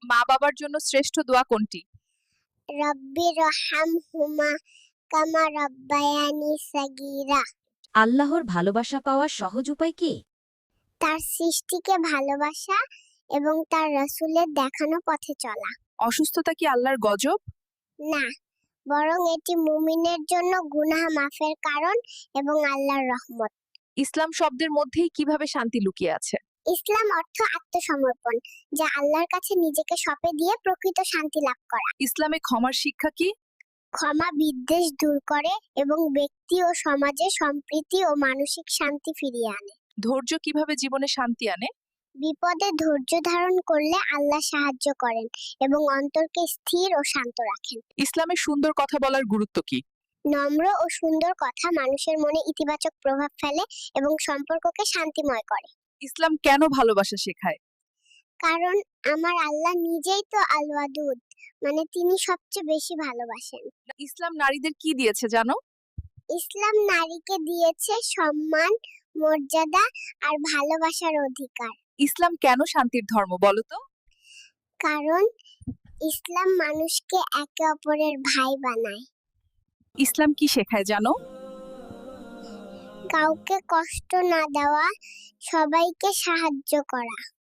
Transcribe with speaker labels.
Speaker 1: মা বাবার জন্য শ্রেষ্ঠ দোয়া কোনটি?
Speaker 2: রব্বি রহমহুমা কামা রব্বায়ানি সাগীরা।
Speaker 3: আল্লাহর ভালোবাসা পাওয়ার সহজ উপায় কি?
Speaker 2: তার সৃষ্টিকে ভালোবাসা এবং তার রাসূলের দেখানো পথে চলা।
Speaker 1: অসুস্থতা কি আল্লাহর গজব?
Speaker 2: না, বরং এটি মুমিনের জন্য গুনাহ মাফের কারণ এবং আল্লাহর রহমত।
Speaker 1: ইসলাম শব্দের মধ্যেই কিভাবে শান্তি লুকিয়ে আছে?
Speaker 2: ইসলাম অর্থ আত্মসমর্পণ, যা আল্লাহর কাছে নিজেকে সঁপে দিয়ে প্রকৃত শান্তি লাভ করা।
Speaker 1: ইসলামে ক্ষমার শিক্ষা কি?
Speaker 2: ক্ষমা বিদ্বেষ দূর করে এবং ব্যক্তি ও সমাজে সম্প্রীতি ও মানসিক শান্তি ফিরিয়ে আনে।
Speaker 1: ধৈর্য কিভাবে জীবনে শান্তি আনে?
Speaker 2: বিপদে ধৈর্য ধারণ করলে আল্লাহ সাহায্য করেন এবং অন্তরকে স্থির ও শান্ত রাখেন।
Speaker 1: ইসলামে সুন্দর কথা বলার গুরুত্ব কি?
Speaker 2: নম্র ও সুন্দর কথা মানুষের মনে ইতিবাচক প্রভাব ফেলে এবং সম্পর্ককে শান্তিময় করে।
Speaker 1: ইসলাম কেন ভালোবাসা শেখায়?
Speaker 2: কারণ আমার আল্লাহ নিজেই তো আল ওয়াদুদ, মানে তিনি সবচেয়ে বেশি ভালোবাসেন।
Speaker 1: ইসলাম নারীদের কি দিয়েছে জানো?
Speaker 2: ইসলাম নারীকে দিয়েছে সম্মান, মর্যাদা আর ভালোবাসার অধিকার।
Speaker 1: ইসলাম কেন শান্তির ধর্ম বলো তো?
Speaker 2: কারণ ইসলাম মানুষকে একে অপরের ভাই বানায়।
Speaker 1: ইসলাম কি শেখায় জানো?
Speaker 2: কাউকে কষ্ট না দেওয়া, সবাইকে সাহায্য করা।